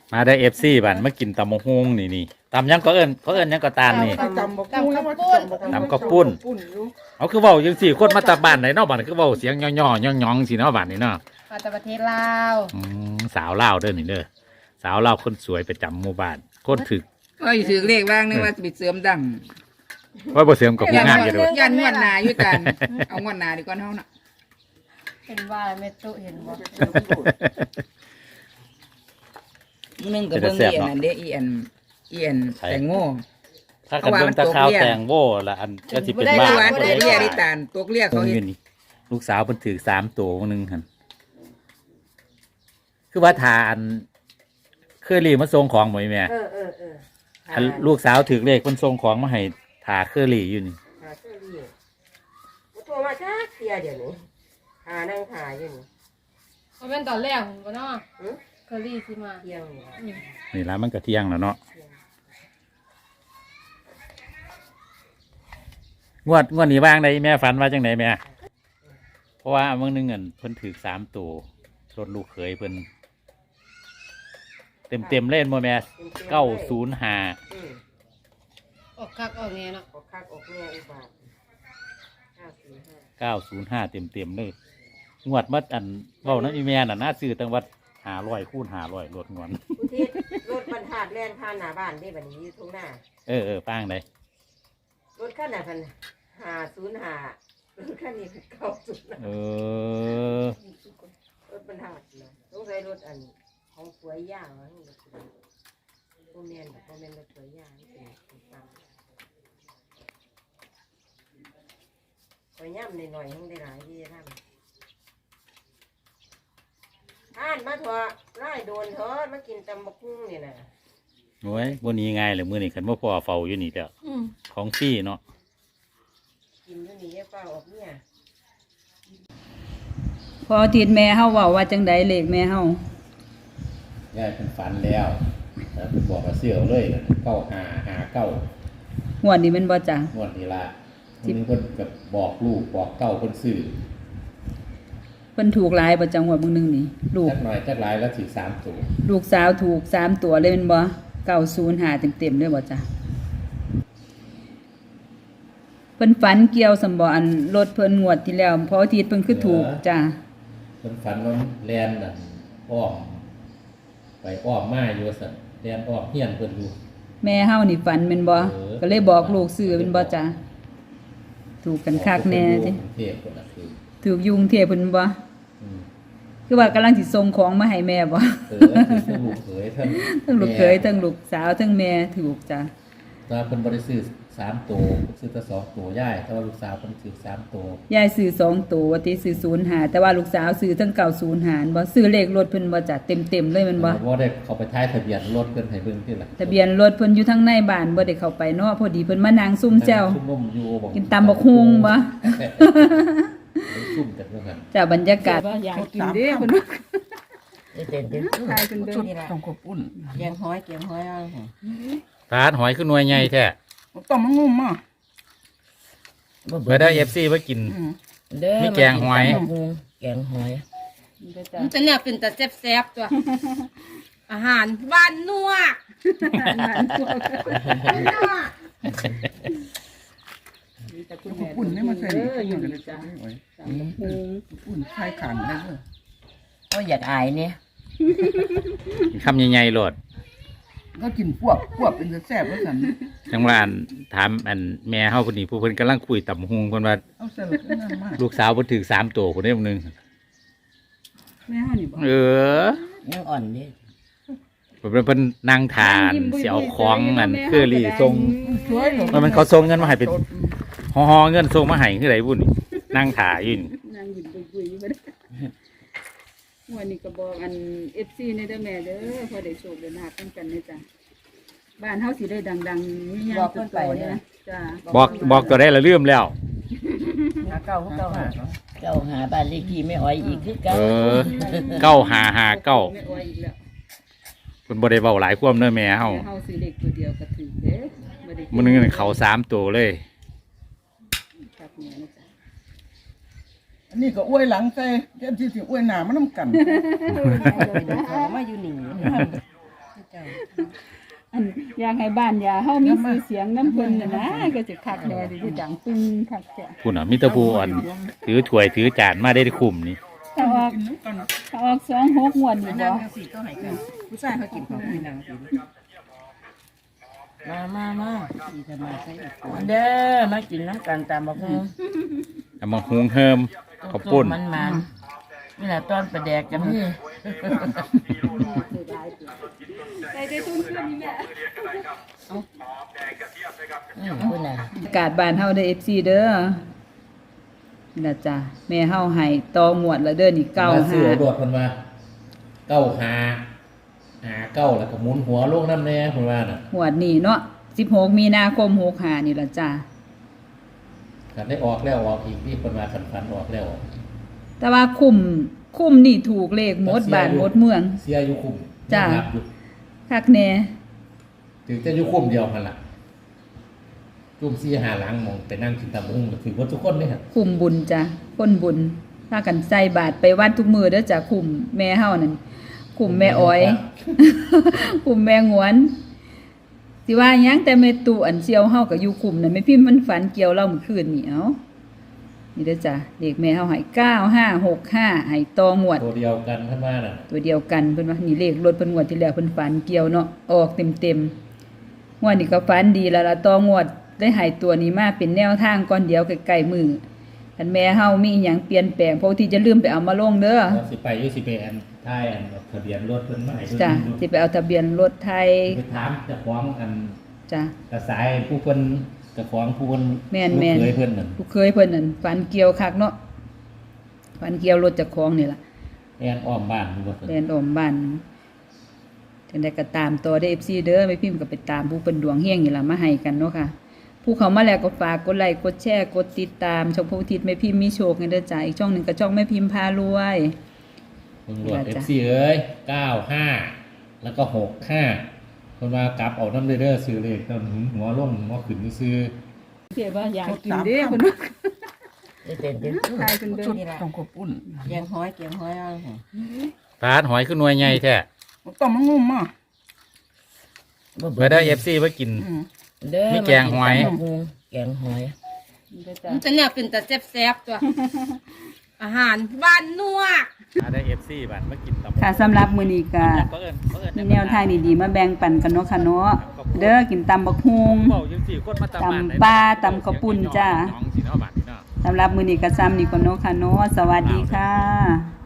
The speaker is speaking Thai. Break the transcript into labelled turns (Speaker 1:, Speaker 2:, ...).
Speaker 1: มาได้FCบัดมากินตำบักหุ่งนี่ตำยังก็เอิ้นเขาเอิ้นยังก็ตามนี่
Speaker 2: ตำบักหุ่งแล้วว่า
Speaker 1: ตำข้าวปุ้น เอาคือเว้าจังซี่คนมาจากบ้านไหนเนาะบัดคือเว้าเสียงย่อๆย่องๆสิเนาะบัดนี่เนาะ
Speaker 3: มาจากประเทศลาว
Speaker 1: สาวลาวเด้อนี่เด้อสาวลาวคนสวยประจำหมู่บ้านคนถึก
Speaker 4: ก็ถือเลขบ้างนึกว่าจะไปเสริมดัง
Speaker 1: ว่าบ่เสริมกับผู้งานอยู่โดด
Speaker 4: ยันงวดหนาอยู่กันเอางวดหนาดีกว่าเท่าน่ะ
Speaker 3: เห็นว่าเมตุเห็นบ่
Speaker 4: นึงกับเบิ่งอีอันนั้นเด้อีอันแตงโม
Speaker 1: ถ้ากันเบิ่งตะขาวแตงโว้ละอันก็สิเป็น
Speaker 4: ได้
Speaker 1: บ้า
Speaker 4: หวานตัวเรียดิตานตัวเรียเขาเห็น
Speaker 1: นี่ลูกสาวเพิ่นถือ3ตัวนึงหั่นคือว่าทานเคยรีมาส่งของบ่แม่อันลูกสาวถือเลขเพิ่นส่งของมาให้ทาเคอรี่อยู่นี่
Speaker 2: หาเสื้อรีโทรมาจ้าเสียเดี๋ยวนี้หานั่งหาอยู่นี่
Speaker 3: มันเป็นตอนแรกผมก็เนาะเคอรี่สิมา
Speaker 2: เที่ยงนี่
Speaker 1: นี่ละมันก็เที่ยงแล้วเนาะงวดนี้ว่างได้แม่ฝันว่าจังไดแม่เพราะว่าเมื่อนึงเงินเพิ่นถือ3ตัวรถลูกเขยเพิ่นเต็มเล่นบ่แม่905
Speaker 3: ออกคักออกแน่เนาะ
Speaker 2: ออกคักออกแง่อีกบาท
Speaker 1: 905เต็มเลยงวดมัดอันเว้านั้นอีแม่น่ะน่าซื้อตั้งวัด500คูณ500รถงวน
Speaker 2: อุทิศรถบรรทัดแล่นผ่านหน้าบ้านได้บัดนี้อยู่ตรงหน้า
Speaker 1: ป้างได
Speaker 2: รถคันน่ะพัน505รถคันนี้คือ905
Speaker 1: เออ
Speaker 2: รถบรรทัดนะต้องใช้รถอันของสวยย่างนะโมเมนแบบโมเมนรถสวยย่างนี่เป็นตามสวยย่ำหน่อยๆทั้งได้หลายที่จะทำท่านมาเถอะไล่โดนเถอะมากินตำบักหุ่งเนี่ยนะ
Speaker 1: โอ้ยบ่นี้ง่ายเลยมื้อนี้คันบ่พอเฝ้าอยู่นี่แล้วของฟรีเนาะ
Speaker 2: กินอยู่นี่แย่เปล่าออกเนี่ย
Speaker 5: พออาทิตย์แม่เฮาเว้าว่าจังใดเลขแม่เฮา
Speaker 1: ยายเป็นฝันแล้วแล้วเพิ่นบอกว่าเสื้อเลย9559
Speaker 5: งวดนี้แม่นบ่จ้ะ
Speaker 1: งวดนี้ล่ะมื้อนี้เพิ่นก็บอกลูกบอกเต้าเพิ่นซื้อ
Speaker 5: เพิ่นถูกหลายบ่จังหวดมื้อนึงนี่ลูก
Speaker 1: จักหน่อยจักหลายแล้วสิ3ตัว
Speaker 5: ลูกสาวถูก3ตัวเลยแม่นบ่905เต็มๆเลยบ่จ้ะเพิ่นฝันเกี่ยวสำบ่อันรถเพิ่นงวดที่แล้วพออาทิตย์เพิ่นคือถูกจ้ะ
Speaker 1: เพิ่นฝันว่าแล่นน่ะอ้อมไปอ้อมมาอยู่ซั่นแล่นอ้อมเฮียนเพิ่นอยู่
Speaker 5: แม่เฮานี่ฝันแม่นบ่ก็เลยบอกลูกซื้อแม่นบ่จ้ะถูกกันคักแน่ติ
Speaker 1: เทพคนน่ะคือ
Speaker 5: ถูกยุงเทพเพิ่นบ่
Speaker 1: อืม
Speaker 5: คือว่ากำลังสิส่งของมาให้แม่บ่
Speaker 1: คือลูกเขยทั้ง
Speaker 5: ทั้งลูกเขยทั้งลูกสาวทั้งแม่ถูกจ้ะ
Speaker 1: ตาเพิ่นบ่ได้ซื้อ3ตัวซื้อแต่2ตัวยายแต่ว่าลูกสาวเพิ่นซื้อ3ตัวย
Speaker 5: ายซื้อ2ตัวว่าติซื้อ05แต่ว่าลูกสาวซื้อทั้ง905บ่ซื้อเลขรถเพิ่นบ่จ้ะเต็มๆเลยแมันบ่
Speaker 1: บ่ได้เข้าไปท้ายทะเบียนรถเพิ่นให้เบิ่งที่ล่ะ
Speaker 5: ทะเบียนรถเพิ่นอยู่ทางในบ้านบ่ได้เข้าไปเนาะพอดีเพิ่นมานั่งซุ่มแจ้ว
Speaker 1: ซุ่มอยู่บ่
Speaker 5: กินตำบักหุ่งบ่
Speaker 1: ซุ่มกันว่าซั่น
Speaker 5: จ้ะบรรยากาศอยากกินเด้เพิ่น
Speaker 2: เด็ดๆ
Speaker 5: ทายเพิ่นเด้อ
Speaker 4: ต้องขอบอุ่น
Speaker 2: เกียงห้อยเอา
Speaker 1: ทานหอยคือหน่วยใหญ่แท้
Speaker 4: ต้องมันงุ่มอ่ะ
Speaker 1: เบิดได้ FC มากิน มีแกงหอย
Speaker 2: แกงหอย
Speaker 3: มันจะเนี่ยเป็นแต่แซ่บๆตัว อาหารบ้านนัว
Speaker 4: อุ่นนี่มาใส่นี่กันเลยจ้ะอุ่นใส่ขันได้เลย
Speaker 2: ก็อยากอายเนี่ย
Speaker 1: คำใหญ่ๆโลด
Speaker 4: ก็กินพวกเป็นแซ่บแล้วสัน
Speaker 1: จังว่าอันถามอันแม่เฮาคนนี้ผู้เพิ่นกำลังคุยตำบักหุ่งเพิ่นว่า
Speaker 4: เอาใส่เลยนั่นมาก
Speaker 1: ลูกสาวเพิ่นถือ3ตัวคนนี้นึง
Speaker 5: แม่เฮานี่บ่
Speaker 2: ยังอ่อนดิ
Speaker 1: เพิ่นนั่งทานสิเอาของอันเคอรี่ส่ง
Speaker 4: สวยเลย
Speaker 1: มันเขาส่งเงินมาให้เป็นห่อๆเงินส่งมาให้คือไดบุ่นนั่งถ่ายอยู่นี่
Speaker 5: นั่งยิ้มบุยๆอยู่บ่ได้วันนี้ก็บอกอัน FC ในเด้อแม่เด้อพอได้โชคได้ลาบกันเด้อจ้ะบ้านเฮาสิได้ดังๆมีหยังตัวโตเนี่ยนะจ้ะ
Speaker 1: บอกตัวได้ละลืมแล้ว
Speaker 2: หาเก่าเจ้าหาบ้านเลขที่ไม่อ้อยอีกคือเก่า
Speaker 1: 9559
Speaker 5: ไม่อ้อยอีกแล้ว
Speaker 1: เพิ่นบ่ได้เว้าหลายความเด้อแม่เฮา
Speaker 5: เฮาซื้อเลขตัวเดียวก็ถือเด้บ่ได้
Speaker 1: มื้อนึงเขา3ตัวเลย
Speaker 5: ครับแม่นะจ๊ะ
Speaker 4: อันนี้ก็อ้วยหลังใส่เจ้าที่สิอ้วยหนามันน้ำกัน
Speaker 2: มาอยู่นี่
Speaker 5: อันอยากให้บ้านยาเฮามีชื่อเสียงน้ำเพิ่นน่ะนะก็จะคักแน่ดิสิดังปึ้งคักแท้
Speaker 1: คุณอ่ะมิตรภูอ่อนถือถ้วยถือจานมาได้คุ้มนี่
Speaker 5: ถ้าออกถ้าออก26งวดนี่บ่
Speaker 2: สิก็ให้กันผู้ชายเขากินของพี่นางสิมาสิจะมาใส่อีกคนเด้อมากินน้ำกันตามบักฮู้
Speaker 1: เอามาหุงเฮิมข้าวปุ้น
Speaker 2: มันนี่แหละตอนประแดกกันนี่
Speaker 5: ใส่ได้ทุนขึ้นนี่แม่
Speaker 2: คุณน่ะ
Speaker 5: อากาศบ้านเฮาเด้อ FC เด้อนี่ล่ะจ้ะแม่เฮาให้ต่อหมวดแล้วเด้อนี่
Speaker 1: มาซื้อเอา
Speaker 5: 95
Speaker 1: โดดมันมาเก้าหาเก้าแล้วก็หมุนหัวลงน้ำแน่คุณว่าน่ะ
Speaker 5: หวดนี่เนาะ16มีนาคม65นี่ล่ะจ้ะ
Speaker 1: ขันได้ออกแล้วออกอีกที่คนมาขันออกแล้วออก
Speaker 5: แต่ว่าคุ้มนี่ถูกเลขหมดบ้านหมดเมือง
Speaker 1: เสียอยู่คุ้ม
Speaker 5: จ้ะ
Speaker 1: นับอยู่
Speaker 5: คักแน่
Speaker 1: ถึงจะอยู่คุ้มเดียวกันล่ะจุ่มซี่หาหลังมองไปนั่งกินตำบักหุ่งถือว่าทุกคนเลยฮะ
Speaker 5: คุ้มบุญจ้ะคนบุญพากันใส่บาตรไปวัดทุกมื้อเด้อจ้ะคุ้มแม่เฮานั่นคุ้มแม่อ้อย คุ้มแม่งวนสิว่าหยังแต่แม่ตู่อันเซียวเฮาก็อยู่คุ้มนั่นแม่พิมพ์มันฝันเกี่ยวเราเมื่อคืนนี่เอ้านี่เด้อจ้ะเลขแม่เฮาให้9565ให้ต่องวด
Speaker 1: ตัวเดียวกันท่านว่าน่ะ
Speaker 5: ตัวเดียวกันเพิ่นว่านี่เลขรถเพิ่นงวดที่แล้วเพิ่นฝันเกี่ยวเนาะออกเต็มๆงวดนี้ก็ฝันดีแล้วล่ะต่องวดได้ให้ตัวนี้มาเป็นแนวทางก่อนเดียวใกล้ๆมือคันแม่เฮามีอีหยังเปลี่ยนแปลงเพราะที่จะลืมไปเอามาลงเด้อ
Speaker 1: สิไปอยุสิไปอันท้ายอันทะเบียนรถเพิ่นมาให้เพิ่น
Speaker 5: จ้ะ
Speaker 1: ดู
Speaker 5: สิไปเอาทะเบียนรถไทย
Speaker 1: ไปถามเจ้าของอัน
Speaker 5: จ้ะ
Speaker 1: กระสายผู้เพิ่นเจ้าของผู้เพิ่น
Speaker 5: แม่น
Speaker 1: ลูกเคยเพิ่นนั่น
Speaker 5: ลูกเคยเพิ่นนั่นฝันเกี่ยวคักเนาะฝันเกี่ยวรถเจ้าของนี่ล่ะ
Speaker 1: แอนอ้อมบ้านอยู่บ่เพิ่น
Speaker 5: แลนออมบ้านจังได๋ก็ตามต่อได้ FC เด้อแม่พิมพ์ก็ไปตามผู้เพิ่นดวงเฮงนี่ล่ะมาให้กันเนาะค่ะ ผู้เขามาแล้วก็ฝากกดไลค์กดแชร์กดติดตามช่องพระอุทิศแม่พิมพ์มีโชคกันเด้อจ้าอีกช่องหนึงก็ช่องแม่พิมพ์พารวย
Speaker 1: เพิ่นรวด
Speaker 5: จ้ะ
Speaker 1: FC เอ้ย95แล้วก็65เพิ่นว่ากลับเอานำเด้อซื้อเลขตอนหัวลงหัวขึ้นซื่อ
Speaker 5: เสียว่าอยากกินเด้เพิ่น
Speaker 2: เป็น
Speaker 5: ทายเพิ่นเด้
Speaker 4: ชุด
Speaker 5: อ
Speaker 4: ต้องขอบปุ่น
Speaker 2: เกียงห้อยเอา
Speaker 1: ปาดหอยคือหน่วยใหญ่แท้
Speaker 4: ต้องมันงุ่มอ่ะ
Speaker 1: เบิดได้ FC ไว้กิน
Speaker 2: เด้อ
Speaker 1: มีแกงหอย
Speaker 2: แกงหอย
Speaker 5: เด้อจ้า
Speaker 3: มันจะเนี่ยเป็นแต่แซ่บๆตัว อาหารบ้านนวก
Speaker 1: ได้ FC บัดมากินตำ
Speaker 5: ค่ะสำหรับมื้อนี้ก็มีแนวทางดีๆมาแบ่งปันกันเนาะค่ะเนาะเด้อกินตำบักฮุง
Speaker 1: เว้าจังซี่คนมาตำบ้านไหน
Speaker 5: ตำปลาตำข้าวปุ้นจ้า
Speaker 1: น้องสิเนาะบัดนี้เนาะ
Speaker 5: สำหรับมื้อนี้ก็ซ้ำนี่ก่อนเนาะค่ะเนาะสวัสดีค่ะ